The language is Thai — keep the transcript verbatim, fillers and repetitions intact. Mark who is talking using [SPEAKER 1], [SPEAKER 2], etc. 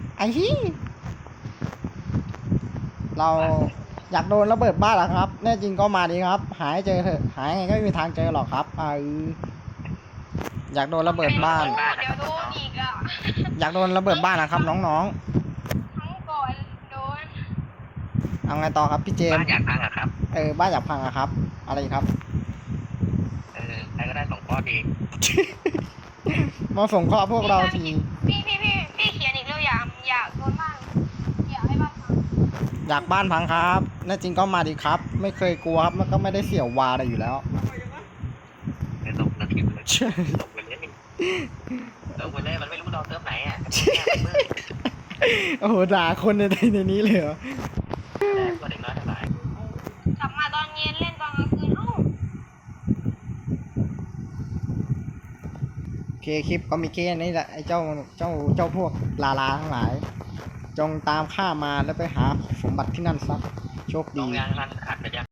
[SPEAKER 1] ไอ้ฮี่เราอยากโดนระเบิดบ้านเหรอครับแน่จริงก็มาดีครับหายเจอเถอะหายไงก็ไม่มีทางเจอหรอกครับเอออยากโดนระเบิดบ้าน
[SPEAKER 2] เดี๋ยวโดนอีกอ่ะ
[SPEAKER 1] อยากโดนระเบิดบ้านนะครับน้อง
[SPEAKER 2] ๆทั้งก่อนโดน
[SPEAKER 1] ๆเอาไงต่อครับพี่เจม
[SPEAKER 3] บ้าน
[SPEAKER 1] ส์
[SPEAKER 3] อยากพังอะครับ
[SPEAKER 1] เออบ้านอยากพังอะครับอะไรครับ
[SPEAKER 3] เออใครก็ได้ส่งข้อดี
[SPEAKER 1] มาส่งข้อพวกเราที
[SPEAKER 2] พี่พี่พี่พี่เขียนอีกแล้วอยากอยากโดนบ้างอยากให้บ้างครับ
[SPEAKER 1] อยากบ้านพังครับแน่จริงก็มาดีครับ ไม่เคยกลัวครับมันก็ไม่ได้เสี่ยววาอะไรอยู่แล้ว
[SPEAKER 3] ไปส่งนาทีเลยส่งไปเลยส่งไปเลยมันไม่รู้เราเติมไหนอ่ะ
[SPEAKER 1] โอ้โหด่าคนในในนี้เลยเหรอ
[SPEAKER 3] ก็เด็กน้อยทั้งหลาย
[SPEAKER 2] กลับมาตอนเย็นเล่นตอนกลางคืนเอ้า
[SPEAKER 1] โอเคคลิปก็มีแค่นี้แหละไอ้เจ้าเจ้าเจ้าพวกลาลาทั้งหลาย จงตามข้ามาแล้วไปหาสมบัติที่นั่นซะโชค
[SPEAKER 3] ล
[SPEAKER 1] ดี
[SPEAKER 3] งยางรันอัดไปยัง